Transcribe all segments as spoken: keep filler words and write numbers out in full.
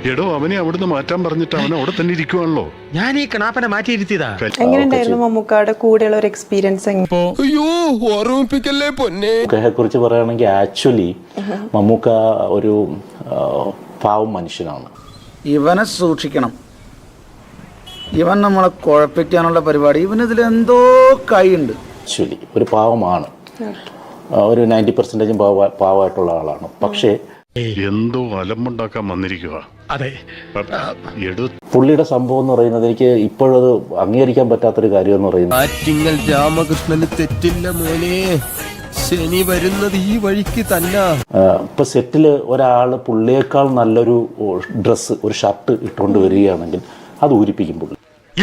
എടോ അവനെ അവിടുന്ന് മാറ്റാൻ പറഞ്ഞിട്ട് അവൻ അവിടെ തന്നെ ഇരിക്കുവാണല്ലോ. ഞാൻ ഈ കണാപ്പനെ മാറ്റിയിരുത്തിയതാ. എങ്ങനെയുണ്ടായിരുന്നു മമ്മൂക്കാടെ കൂടെയുള്ള ഒരു എക്സ്പീരിയൻസ്? കുറിച്ച് പറയുകയാണെങ്കിൽ ആക്ച്വലി മമ്മൂക്ക ഒരു പാവം മനുഷ്യനാണ്. ഇവനെ സൂക്ഷിക്കണം. ഇവൻ നമ്മളെ കുഴപ്പിക്കാനുള്ള പരിപാടി, ഇവനിതിൽ എന്തോ കൈയുണ്ട്. ആക്ച്വലി ഒരു പാവമാണ്, ഒരു നയൻറ്റി പെർസെൻറ്റേജും പാവ പാവമായിട്ടുള്ള ആളാണ്. പക്ഷേ എന്തോ അലമ്പുണ്ടാക്കാൻ വന്നിരിക്കുക. അതെ, പുള്ളിയുടെ സംഭവം എന്ന് പറയുന്നത് എനിക്ക് ഇപ്പോഴത് അംഗീകരിക്കാൻ പറ്റാത്തൊരു കാര്യം എന്ന് പറയുന്നത്, ആറ്റിങ്ങൽ രാമകൃഷ്ണന് തെറ്റില്ല മോനെ, ശനി വരുന്നത് ഈ വഴിക്ക് തന്നെ. ഇപ്പൊ സെറ്റില് ഒരാള് പുള്ളിയേക്കാൾ നല്ലൊരു ഡ്രസ്സ്, ഒരു ഷർട്ട് ഇട്ടുകൊണ്ട് വരികയാണെങ്കിൽ അത് ഊരിപ്പിക്കും പുള്ളി.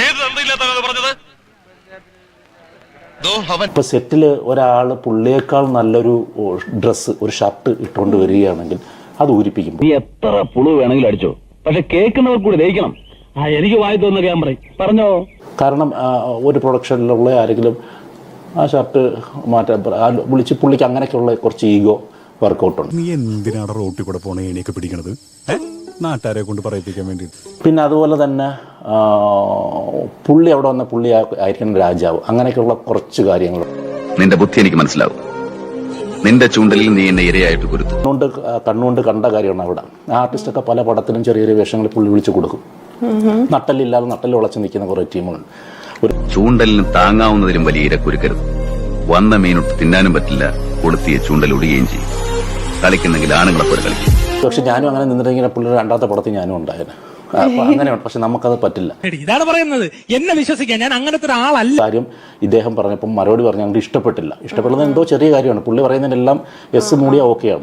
ഇപ്പൊ സെറ്റില് ഒരാള് പുള്ളിയേക്കാൾ നല്ലൊരു ഡ്രസ്സ്, ഒരു ഷർട്ട് ഇട്ടുകൊണ്ട് വരികയാണെങ്കിൽ അത് ഊരിപ്പിക്കും. നീ എത്ര പുളു വേണമെങ്കിലും അടിച്ചോ, പക്ഷെ കേൾക്കുന്നവർ കൂടി ദഹിക്കണം. ആ എനിക്ക് വായി തോന്നുന്ന ഞാൻ പറയും, പറഞ്ഞോ. കാരണം ഒരു പ്രൊഡക്ഷനിലുള്ള ആരെങ്കിലും ആ ഷർട്ട് മാറ്റാൻ വിളിച്ച് പുള്ളിക്ക് അങ്ങനെയൊക്കെയുള്ള കുറച്ച് ഈഗോ വർക്കൗട്ട് ഉണ്ട്. നീ എന്തിനാണ് റോട്ടിൽ കൂടെ പോണ ഏണിയൊക്കെ പിടിക്കണത്? നാട്ടുകാരെ കൊണ്ട് പറയിപ്പിക്കാൻ വേണ്ടി. പിന്നെ അതുപോലെ തന്നെ പുള്ളി അവിടെ വന്ന പുള്ളി ആയിരിക്കണം രാജാവ്, അങ്ങനെയൊക്കെയുള്ള കുറച്ച് കാര്യങ്ങൾ. നിന്റെ ബുദ്ധി എനിക്ക് മനസ്സിലാവും. നിന്റെ ചൂണ്ടലിൽ നീ എന്നെ ഇരയായിട്ട് കുരുത്തു. കണ്ണുകൊണ്ട് കണ്ണുകൊണ്ട് കണ്ട കാര്യമാണ് അവിടെ. ആർട്ടിസ്റ്റൊക്കെ പല പടത്തിലും ചെറിയ ചെറിയ വേഷങ്ങൾ പുള്ളി വിളിച്ചു കൊടുക്കും. നട്ടലില്ലാതെ നട്ടൽ ഉളച്ച് നിൽക്കുന്ന കുറെ ടീമുകളുണ്ട്. ഒരു ചൂണ്ടലിന് താങ്ങാവുന്നതിലും വലിയ ഇര കുരുക്കരുത്. വന്ന മീനൊട്ട് തിന്നാനും പറ്റില്ല, കൊളുത്തിയ ചൂണ്ടൽ ഒടുകയും ചെയ്യും. കളിക്കുന്നെങ്കിൽ ആണുങ്ങളെ പോലെ കളിക്കും. പക്ഷെ ഞാനും അങ്ങനെ നിന്നിട്ടെങ്കിൽ പുള്ളിയുടെ രണ്ടാമത്തെ പടത്തിൽ ഞാനും ഉണ്ടായിരുന്നു. അങ്ങനെയാണ്, പക്ഷെ നമുക്കത് പറ്റില്ല. ഇതാണ് പറയുന്നത്, എന്നെ വിശ്വസിക്കാൻ ഞാൻ അങ്ങനത്തെ ഒരാളല്ല. കാര്യം ഇദ്ദേഹം പറഞ്ഞപ്പം മറുപടി പറഞ്ഞ ഞങ്ങൾക്ക് ഇഷ്ടപ്പെട്ടില്ല. ഇഷ്ടപ്പെടുന്നത് എന്തോ ചെറിയ കാര്യമാണ്. പുള്ളി പറയുന്നതിനെല്ലാം എസ് മൂടിയ ഓക്കെയാണ്.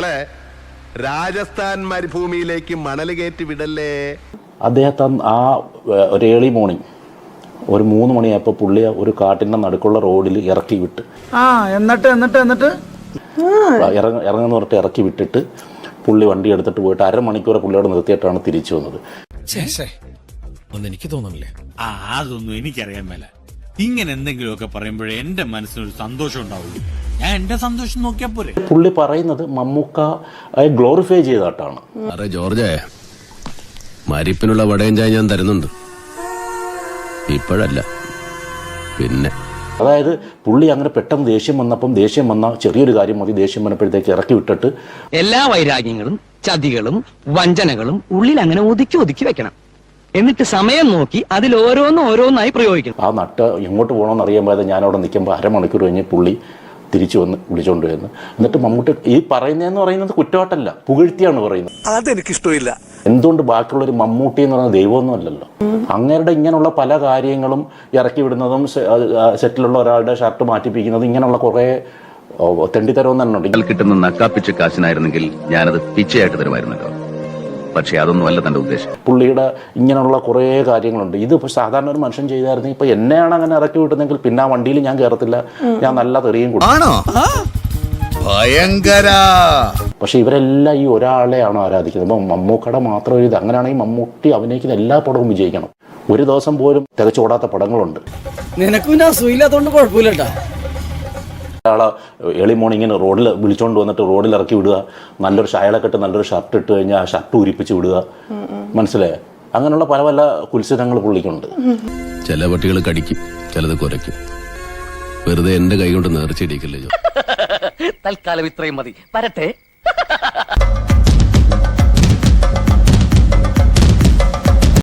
രാജസ്ഥാൻ മരുഭൂമിയിലേക്ക് മണൽ കയറ്റി വിടല്ലേ. അദ്ദേഹത്തെ ആ ഒരു ഏർലി മോർണിംഗ് ഒരു മൂന്ന് മണിയായപ്പോൾ പുള്ളിയെ ഒരു കാട്ടിൻ്റെ നടുക്കുള്ള റോഡിൽ ഇറക്കി വിട്ട് ആ എന്നിട്ട് എന്നിട്ട് എന്നിട്ട് ഇറങ്ങ ഇറങ്ങുന്ന പറഞ്ഞിട്ട് ഇറക്കി വിട്ടിട്ട് പുള്ളി വണ്ടി എടുത്തിട്ട് പോയിട്ട് അരമണിക്കൂർ പുള്ളിയോട് നിർത്തിയിട്ടാണ് തിരിച്ചു വന്നത്. എനിക്ക് തോന്നുന്നില്ലേ? ആ അതൊന്നും എനിക്കറിയാൻ മേല. ഇങ്ങനെ എന്തെങ്കിലുമൊക്കെ പറയുമ്പോഴേ എന്റെ മനസ്സിനൊരു സന്തോഷം ഉണ്ടാവുള്ളൂ. ഞാൻ എന്റെ സന്തോഷം നോക്കിയാ പോരെ. പുള്ളി പറയുന്നത് മമ്മൂക്ക ഗ്ലോറിഫൈ ചെയ്തിട്ടാണ്. അതെ ജോർജേ, മരിപ്പിനുള്ള വടയും ചായ ഞാൻ തരുന്നുണ്ട്, ഇപ്പോഴല്ല പിന്നെ. അതായത് പുള്ളി അങ്ങനെ പെട്ടെന്ന് ദേഷ്യം വന്നപ്പം ദേഷ്യം വന്ന ചെറിയൊരു കാര്യം മതി, ദേഷ്യം വന്നപ്പോഴത്തേക്ക് ഇറക്കി വിട്ടിട്ട് എല്ലാ വൈരാഗ്യങ്ങളും ചതികളും വഞ്ചനകളും ഉള്ളിൽ അങ്ങനെ ഒതുക്കി ഒതുക്കി വെക്കണം. എന്നിട്ട് സമയം നോക്കി അതിൽ ഓരോന്നും ഓരോന്നായി പ്രയോഗിക്കണം. ആ നട്ട് എങ്ങോട്ട് പോകണമെന്ന് അറിയാൻ ഞാൻ അവിടെ നിൽക്കുമ്പോൾ അരമണിക്കൂർ കഴിഞ്ഞ് പുള്ളി തിരിച്ചു വന്ന് വിളിച്ചോണ്ട് വരുന്നു. എന്നിട്ട് മമ്മൂട്ടി ഈ പറയുന്നതെന്ന് പറയുന്നത് കുറ്റവാട്ടല്ല, പുകഴ്ത്തിയാണ് പറയുന്നത്. അതെനിക്കിഷ്ടമില്ല. എന്തുകൊണ്ട് ബാക്കിയുള്ളൊരു മമ്മൂട്ടി എന്ന് പറയുന്നത് ദൈവമൊന്നും അല്ലല്ലോ. അങ്ങേരുടെ ഇങ്ങനെയുള്ള പല കാര്യങ്ങളും ഇറക്കി വിടുന്നതും സെറ്റിലുള്ള ഒരാളുടെ ഷർട്ട് മാറ്റിപ്പിക്കുന്നതും ഇങ്ങനെയുള്ള കുറെ തെണ്ടിത്തരവും തന്നെ ഉണ്ട്. കിട്ടുന്ന നക്കാപ്പിച്ച കാശിനായിരുന്നെങ്കിൽ ഞാനത് പിച്ചയായിട്ട് തരുമായിരുന്നല്ലോ. പക്ഷെ അതൊന്നും അല്ല തന്റെ ഉദ്ദേശം. പുള്ളിയുടെ ഇങ്ങനെയുള്ള കുറേ കാര്യങ്ങളുണ്ട്. ഇത് സാധാരണ ഒരു മനുഷ്യൻ ചെയ്തായിരുന്നെങ്കിൽ ഇപ്പൊ എന്നെയാണ് അങ്ങനെ ഇറക്കി വിട്ടുന്നെങ്കിൽ പിന്നെ ആ വണ്ടിയിൽ ഞാൻ കയറത്തില്ല, ഞാൻ നല്ല തെറിയും കൊടുക്കും. പക്ഷെ ഇവരെല്ലാം ഈ ഒരാളെയാണ് ആരാധിക്കുന്നത്. അപ്പൊ മമ്മൂക്കട മാത്രം ഇത്. അങ്ങനെയാണെങ്കിൽ മമ്മൂട്ടി അഭിനയിക്കുന്ന എല്ലാ പടവും വിജയിക്കണം. ഒരു ദിവസം പോലും തികച്ചോടാത്ത പടങ്ങളുണ്ട്. നിനക്കും സുഖമില്ലാത്തോണ്ട് കുഴപ്പമില്ലട്ടാ. ഒരാളെ ഏർലി മോർണിംഗിന് റോഡിൽ വിളിച്ചോണ്ട് വന്നിട്ട് റോഡിൽ ഇറക്കി വിടുക, നല്ലൊരു ഷായലൊക്കെ ഇട്ട് നല്ലൊരു ഷർട്ട് ഇട്ട് കഴിഞ്ഞാൽ ആ ഷർട്ട് ഉരിപ്പിച്ച് വിടുക, മനസ്സിലായേ? അങ്ങനെയുള്ള പല പല കുത്സിതങ്ങൾ പുള്ളിക്കുണ്ട്. ചില പട്ടികൾ കടിക്കും, ചിലത് കുരയ്ക്കും. വെറുതെ എന്റെ കൈ കൊണ്ട് നേർച്ചയിടിക്കല്ലേ. തൽക്കാലം ഇത്രയും മതി, വരട്ടെ.